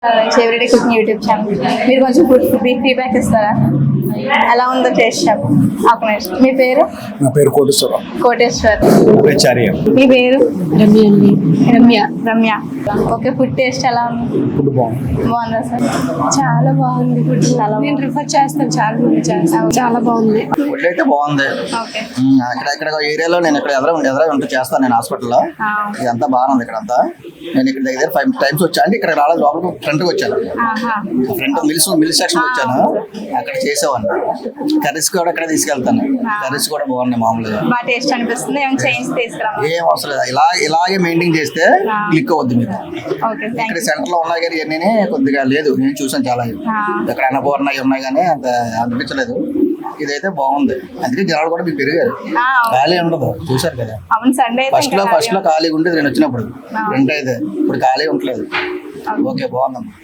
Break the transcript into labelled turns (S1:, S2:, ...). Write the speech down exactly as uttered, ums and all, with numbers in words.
S1: Everyday cooking YouTube channel. మీరు కొంచెం food feedback ఇస్తారా? ఎలా ఉందో టేస్ట్ చెప్పు. ఒక నిమిషం. మీ పేరు?
S2: నా పేరు కోటేశ్వర.
S1: కోటేశ్వర్.
S2: చార్య.
S1: మీ పేరు?
S3: రమ్య అండి.
S1: Ramya. Ramya. Okay, food taste ఎలా ఉంది?
S2: ఫుడ్ బాగుంది.
S1: బాగుందా సార్?
S3: చాలా బాగుంది ఫుడ్.
S1: చాలా
S3: నేను ప్రిఫర్ చేస్తాను, చాలా మంది చేస్తాను. చాలా బాగుంది
S4: ఫుడ్ అయితే బాగుంది.
S1: ఓకే.
S4: ఉమ్, అక్కడ ఇక్కడ ఏరియాలో నేను ఇక్కడ ఎదురు ఎదురు ఉంటూ చేస్తాను నేను హాస్పిటల్లో. ఇదంతా బాగుంది ఇక్కడ అంతా. నేను ఇక్కడ దగ్గర ఫైవ్ టైమ్స్ వచ్చాను అంటే ఇక్కడ రాలేదు, లోపలికి ఫ్రంట్కి వచ్చాను. ఫ్రంట్ మిల్స్ మిల్స్ సెక్షన్ వచ్చాను, అక్కడ చేసేవాడిని. కర్రీస్ కూడా ఇక్కడ తీసుకెళ్తాను. కర్రీస్ కూడా బాగున్నాయి మామూలుగా.
S1: బాగా టేస్ట్ అనిపిస్తుంది. ఏమైనా చేంజ్ తీసుకురా?
S4: ఏం అవసరం లేదు, ఇలా ఇలాగే మెయింటైన్ చేస్తే క్లిక్ అవుద్ది మీకు.
S1: ఓకే, థ్యాంక్
S4: ఇక్కడ
S1: యూ.
S4: సెంటర్ లో ఉన్నాయి కానీ ఇవన్నీ కొద్దిగా లేదు, నేను చూసాను చాలా. ఇక్కడ అన్నపూర్ణ ఉన్నాయి కానీ అంత అనిపించలేదు. ఇదైతే బాగుంది, అందుకే జనాలు కూడా మీకు పెరిగారు. ఖాళీ ఉండదు, చూసారు కదా.
S1: అవును, సండే
S4: ఫస్ట్ లో ఫస్ట్ లో ఖాళీగా ఉండేది నేను వచ్చినప్పుడు. రెంట్ అయితే ఇప్పుడు ఖాళీ ఉండలేదు. ఓకే, బాగుందమ్మా.